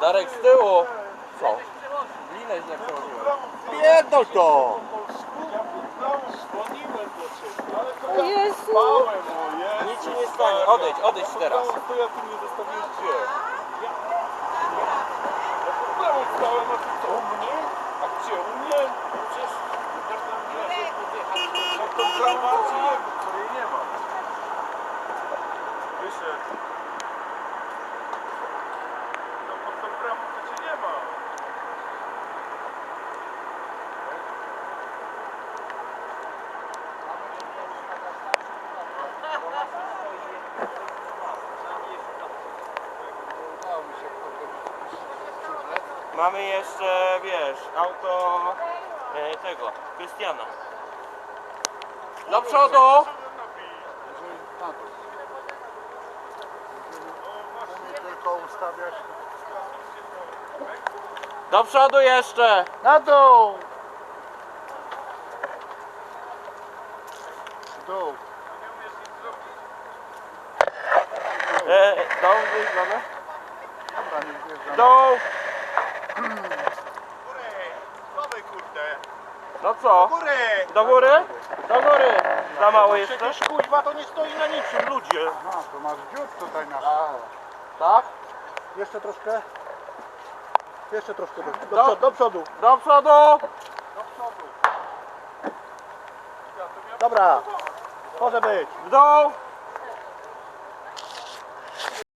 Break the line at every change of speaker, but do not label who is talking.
Darek z tyłu. Co? Linę źle przełożyłem.
Pierdol to!
O Jezu!
Nic ci nie stanie. Odejdź teraz.
To ja tu nie zostawiłem gdzie? Ja pod bramą stałem, a ty co? U mnie? A gdzie? U mnie? Przecież jak to brama czy nie, której nie ma. Wyszedł. No pod tą bramą to cię nie ma.
Mamy jeszcze, wiesz, auto tego, Krystiana. Do przodu!
Nie tylko ustawiać.
Do przodu jeszcze!
Na dół! W dół.
Dół, wyjdziemy.
Dobra, nie wjeżdżam.
Dół!
Dawaj kurde.
No co?
Góry!
Do góry? Do góry! Za mało jeszcze?
Przecież kuźwa to nie stoi na niczym, ludzie.
Aha, to masz dziób tutaj na.
Tak?
Jeszcze troszkę. Jeszcze troszkę
Do-
do przodu.
Do przodu!
Dobra. Może być.
W dół!